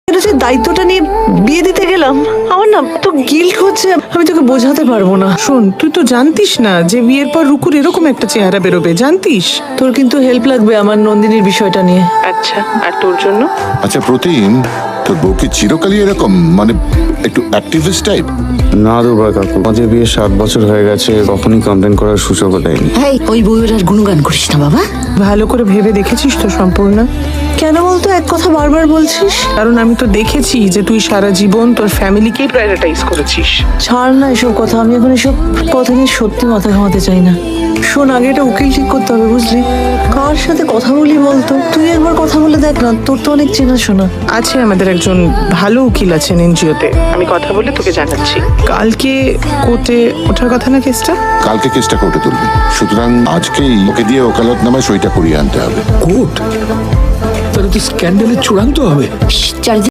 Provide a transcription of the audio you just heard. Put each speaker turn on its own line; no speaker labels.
এটা যে দায়িত্বটা নিয়ে বিয়ে দিতে গেলাম, আমার না তো গিল্ট হচ্ছে, আমি তোকে বোঝাতে পারবো না।
শোন, তুই তো জানতিস না যে বিয়ের পর রুকুর এরকম একটা চেহারা বেরোবে, জানতিস?
তোর কিন্তু হেল্প লাগবে আমার নন্দিনীর বিষয়টা নিয়ে।
আচ্ছা, আর তোর জন্য?
আচ্ছা প্রতিম, তোর বউ কি চিরকালই এরকম, মানে একটু অ্যাক্টিভিস্ট টাইপ?
না দুর্বা কাকু, আমাদের বিয়ে 7 বছর হয়ে গেছে, কখনই কমপ্লেন করার সুযোগও দেয়নি।
এই ওই বউয়ের আর গুণগান করিস না বাবা।
ভালো করে ভেবে দেখেছিস তো সম্পূর্ণ?
কেন বলতো এক কথা বারবার বলছিস?
কারণ আমি তো দেখেছি যে তুই সারা জীবন তোর ফ্যামিলিকেই প্রায়োরিটাইজ করেছিস।
ছাড় না এসব কথা, আমি এখন এসব কথা নিয়ে সত্যি মাথা ঘামাতে চাই না। শোন, আগে এটা উকিল ঠিক করতে হবে, বুঝলি? কার সাথে কথা বলি বলতো? তুই একবার কথা বলে দেখ না, তোর তো অনেক চেনাশোনা
আছে, আমাদের একজন ভালো উকিল আছেন এনজিওতে, আমি কথা বলে তোকে জানাচ্ছি। কালকে কোর্টে ওঠার কথা না কেসটা?
কালকে কেসটা কোর্টে তুলবে, সুতরাং আজকেই ওকে দিয়ে ওকালতনামায় সইটা করিয়ে আনতে হবে।
কোর্ট? তাহলে তো স্ক্যান্ডালের চূড়ান্ত হবে।
চারিদিকে